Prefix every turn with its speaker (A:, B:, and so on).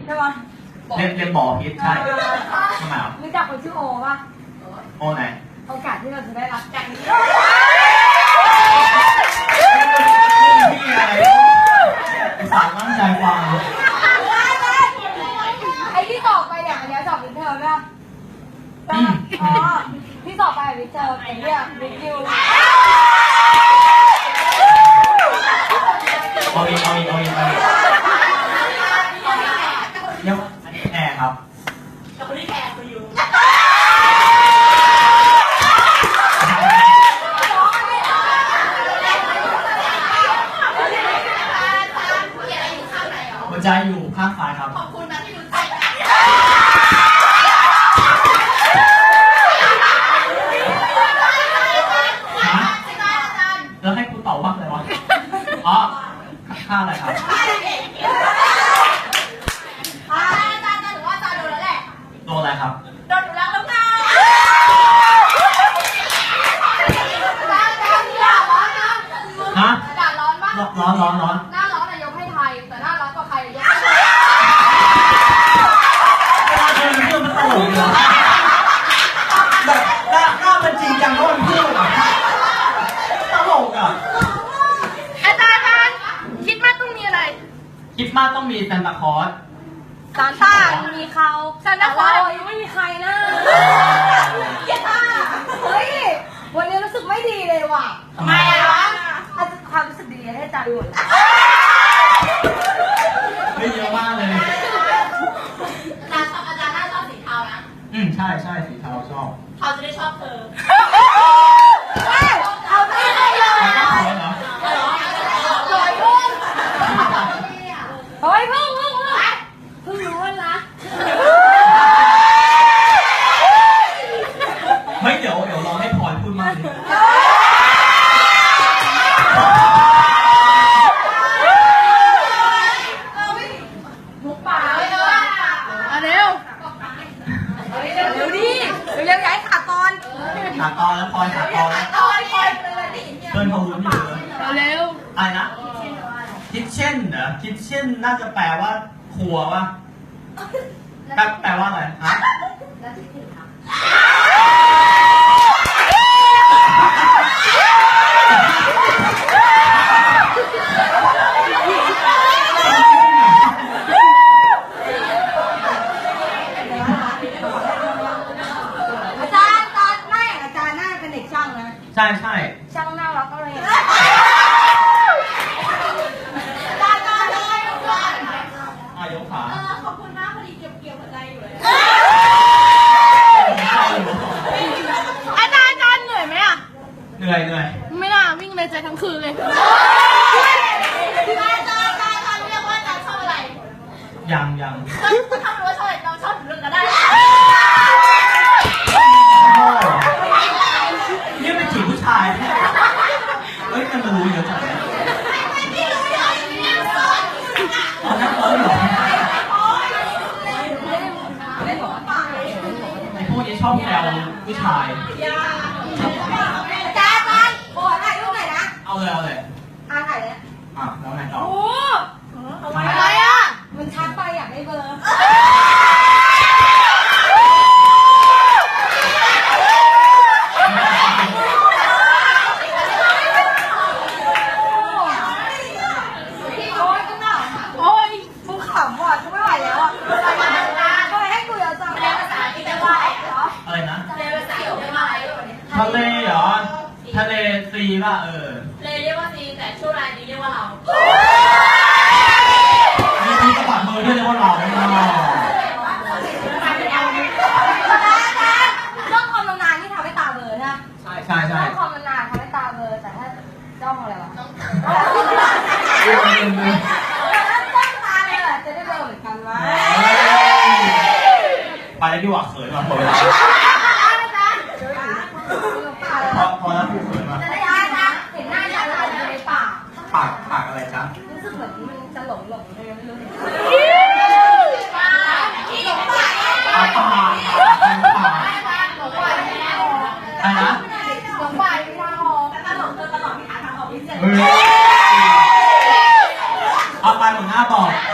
A: ช่ปะ
B: เรียนหมอพิษใช่ทำไมอ่ะ
A: รู้จักคนชื่อโอป่ะ
B: โอไหน
A: โอกาสที่เราจะได้รับจากนี้
B: พี่อะไรสารตั้งใจฟัง
A: ไอ้ที่สอบไปเนี่ยอันนี้สอบวินเทอร์ป่ะอ๋อที่สอบไปวินเทอร์ไอ้เนี่ยวินยู
B: เอาอีกยังอันนี้แอร์ครับ
C: กับคนที่แอร์ไปอยู่
B: หัวใจอยู่ข้างซ้ายครับ
C: ขอบคุณนะที่รู้ใจ
B: แล้วให้กูตอบว่าอะไรวะอ๋อค่าอะไรครับ
C: อาจารย์ถือว่าอาจารย์โดนแล้วแหละ
B: โดนอะไรครับ
C: โดนหนูรักแล้วไง
B: ฮะ
C: อากาศร้อนปะ
B: ร้อน
C: หน้าร้อนนายกให้ไทยแต่หน้าร้อนกว่าใครยกให้
B: เรื่องมันตลกเหรอแบบหน้ามันจริงจังเพราะมันพูดตลกอ่ะ
C: อาจารย์คิดว่าต้องมีอะไร
B: คิดมากต้องมีซานตาคลอส
A: ซานต้ามีเขาซานต้าคลอสยังไม่มีใครนะเฮ้ยวันนี้รู้สึกไม่ดีเลยว่ะ
B: ทำไม
A: อ่ะความรู้สึกดีให้อาจารย์หมด
B: ไม่เยอะมากเลย
C: อาจารย์น่าชอบสีเทานะ
B: ใช่สีเทาชอบ
C: เขาจะได้ชอบเธอ
A: เอาไม่ได้เลย
B: สวย
A: พุ่งเฮ้ยพุ่งรู้ว่ารัก
B: เฮ้ยเดี๋ยวรอให้พรพูดมากเลย
A: มุกป่าเลยเร็วดิเร็วย้ายขาตอน
B: แล้วพรขาตอนเพื่อนเขาลุ้นอยู่
A: เร็ว
B: อะไรนะคิทเช่นเหรอคิทเช่นน่าจะแปลว่าครัววะแปลว่าอะไรฮะใช่
A: ช่างน่ารักอะไร
B: ยกขา
C: ขอบคุณมากพอดีเกี่ยวหัวใจอยู่เลยอาจารย์เหนื่อยไหมอ่ะ
B: เหนื่อย
C: ไม่น่าวิ่งเลยใจทั้งคืนเลยอาจารย์เรียกว่าอาจารย์ชอบอะไร
B: ยัง
C: ถ้ารู้ว่าชอบอะไรเราชอบเรื่องก็ได้
B: นี่เป็นจีบผู้ชายเฮ้ยมันรู้เยอะจังตอนนั้นเหรอไอ้พวกนี้ชอบแซวผู้ชาย
A: อาจารย์ขอถ่ายรูปหน่อยนะ
B: เอาเลย
A: ถ่ายเลย
B: แล้วไงต่อ
A: โอ้
C: อะไรอ่ะ
A: มันชัดไปอยากได้เบอร์โอ้ยกูขำว่ะกูไม่ไหวแล้วอ่ะทำไมให้กูเยอะจัง
C: เรียนภาษาที่ได้ว่า
B: อะไรนะ
C: เรียนภาษาที่ได้ว่า
B: ทะเลเหรอทะเลซีป่ะ
C: เรียกว่าซีแต่ช่วงรายนี้เรียกว่าเรา
B: มีกระเป๋ามือด้วยเรียกว่าเรา
A: ต้องความนานที่ทำให้ตาเบลอใช่ไหม
B: ใช่
A: ต้องความนานทำให้ตาเบลอแต่ถ้าจ้องอะไรวะจ้องตาเลยจะได้เบลอเหมือนกันไหม
B: ไปแล้วดีกว่าเขินว่ะหมดเวลา